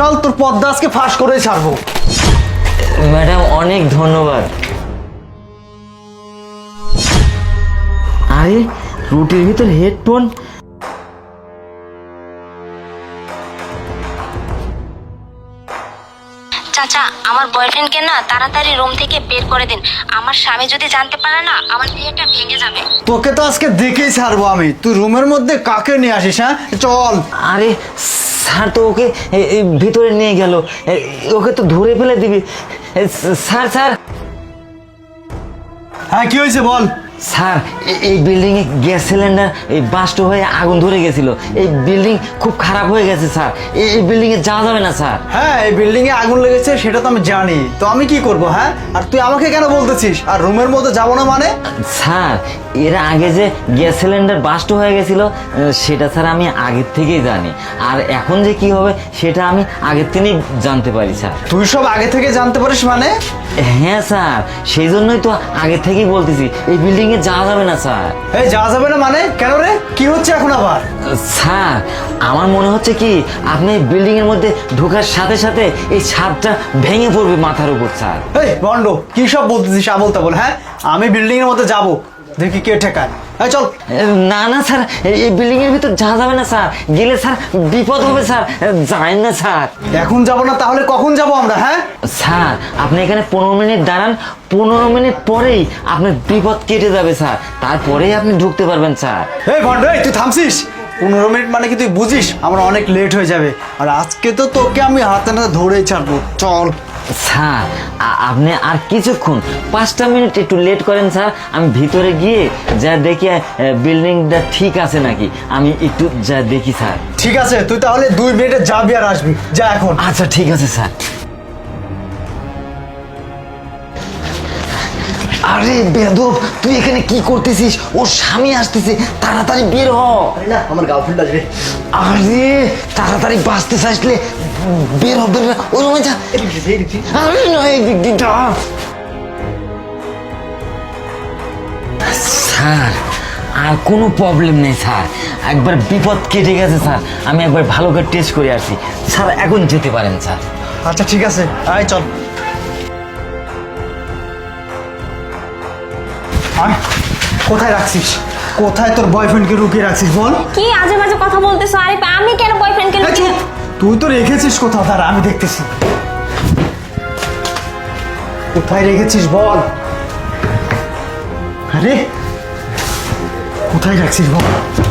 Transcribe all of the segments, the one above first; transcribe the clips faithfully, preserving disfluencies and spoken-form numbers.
চল তোর পদ্মা আজকে ফাঁস করে ছাড়বো। ম্যাডাম অনেক ধন্যবাদ। আরে রুটির ভিতর হেডফোন। চাচা আমার বয়ফ্রেন্ডকে না তাড়াতাড়ি রুম থেকে বের করে দিন। আমার স্বামী যদি জানতে পারে না আমার বিয়েটা ভেঙে যাবে। তোকে তো আজকে দেখেই ছাড়বো আমি। তুই রুমের মধ্যে কাকে নিয়ে আসিস? হ্যাঁ চল। আরে স্যার তো ওকে এ, এ, ভিতরে নিয়ে গেল, এ, ওকে তো ধরে ফেলে দিবি। এ, স্যার স্যার হ্যাঁ কি হয়েছে বল। স্যার এ- এই বিল্ডিং এ গ্যাস সিলিন্ডার এই বাস্ট হয়ে আগুন ধরে গেছিল। এই বিল্ডিং খুব খারাপ হয়ে গেছে স্যার। এই এই বিল্ডিং এ যাওয়া যাবে না স্যার। হ্যাঁ এই বিল্ডিং এ আগুন লেগেছে সেটা তো আমি জানি, তো আমি কি করব? হ্যাঁ আর তুই আমাকে কেন বলতেছিস? আর রুমের মধ্যে যাবো না মানে? স্যার এর আগে যে গ্যাস সিলিন্ডার বাস্ট হয়ে গেছিল আহ, সেটা স্যার আমি আগের থেকেই জানি। আর এখন যে কি হবে সেটা আমি আগের থেকেই জানতে পারি স্যার। তুই সব আগে থেকে জানতে পারিস মানে? হ্যাঁ স্যার, সেই জন্যই তো আগে থেকেই বলতেছি এই বিল্ডিং এ যাওয়া যাবে না স্যার। এই যাওয়া যাবে না মানে? কেন রে, কি হচ্ছে এখন আবার? স্যার আমার মনে হচ্ছে কি আপনি এই বিল্ডিং এর মধ্যে ঢোকার সাথে সাথে এই ছাদটা ভেঙে পড়বে মাথার উপর স্যার। এই বন্ড, কি সব বলতেছিস আবল তাবল? হ্যাঁ আমি বিল্ডিং এর মধ্যে যাব, দেখি কে ঠেকায়। এই চল। না না স্যার, এই বিল্ডিং এর ভিতর যাওয়া যাবে না স্যার। গেলে স্যার বিপদ হবে স্যার, যাই না স্যার। এখন যাব না তাহলে কখন যাব আমরা? হ্যাঁ স্যার আপনি এখানে পনেরো মিনিট দাঁড়ান, পনেরো মিনিট পরেই আপনার বিপদ কেটে যাবে স্যার, তারপরেই আপনি ঢুকতে পারবেন স্যার। এই বন্ড, এই তুই থামছিস? পনেরো মিনিট মানে কি তুই বুঝিস আমরা অনেক লেট হয়ে যাবে? আর আজকে তো তোকে আমি হাতে নাতে ধরেই ছাড়বো। চল। স্যার আ- আপনি আর কিছুক্ষণ পাঁচটা মিনিট একটু লেট করেন স্যার। আমি ভিতরে গিয়ে যা দেখি বিল্ডিংটা ঠিক আছে নাকি আমি একটু যা দেখি স্যার। ঠিক আছে, তুই তাহলে দুই মিনিটে যাবি আর আসবি, যা এখন। আচ্ছা ঠিক আছে স্যার। আরে বেদব, তুই এখানে কি করতেছিস? ওর স্বামী আসতেছে, তাড়াতাড়ি বের হ। না আমার গার্লফ্রেন্ড আসবে। আরে তাড়াতাড়ি বাঁচতে চাইলে বের হ, বের হ। ওই রুমে যা। আরে নয় এই দিক দিয়ে যা। স্যার আর কোনো প্রবলেম নেই স্যার, একবার বিপদ কেটে গেছে স্যার। আমি একবার ভালো করে টেস্ট করে আসি স্যার, এখন যেতে পারেন স্যার। আচ্ছা ঠিক আছে, আয় চল। আয়, কোথায় রাখছিস? কোথায় তোর বয়ফ্রেন্ডকে লুকিয়ে রাখছিস বল? কি আজে বাজে কথা বলতেছো? আরে আমি কেন বয়ফ্রেন্ডকে এই চুপ! তুই তো রেখেছিস কোথাও, তার আমি দেখতেছি। কোথায় রেখেছিস বল? আরে কোথায় রাখছিস বল?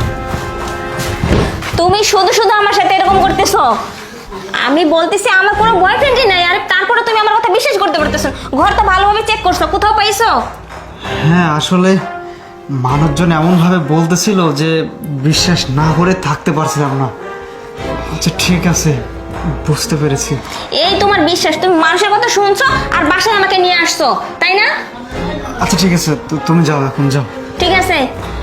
তুমি শুধু শুধু আমার সাথে এরকম করতেছো। আমি বলতেছি আমার কোনো বয়ফ্রেন্ডই নাই, আর তারপরে তুমি আমার কথা বিশ্বাস করতে পারতেছো? ঘর তো ভালোভাবে চেক করছো, কোথাও পাইছো? হ্যাঁ আসলে মানুষজন এমনভাবে বলতেছিল যে বিশ্বাস না করে থাকতে পারছিলাম না। আচ্ছা ঠিক আছে, বুঝতে পেরেছি। এই তোমার বিশ্বাস, তুমি মানুষের কথা শুনছো আর বাসায় আমাকে নিয়ে আসছো, তাই না? আচ্ছা ঠিক আছে, তু- তুমি যাও, এখন যাও। ঠিক আছে।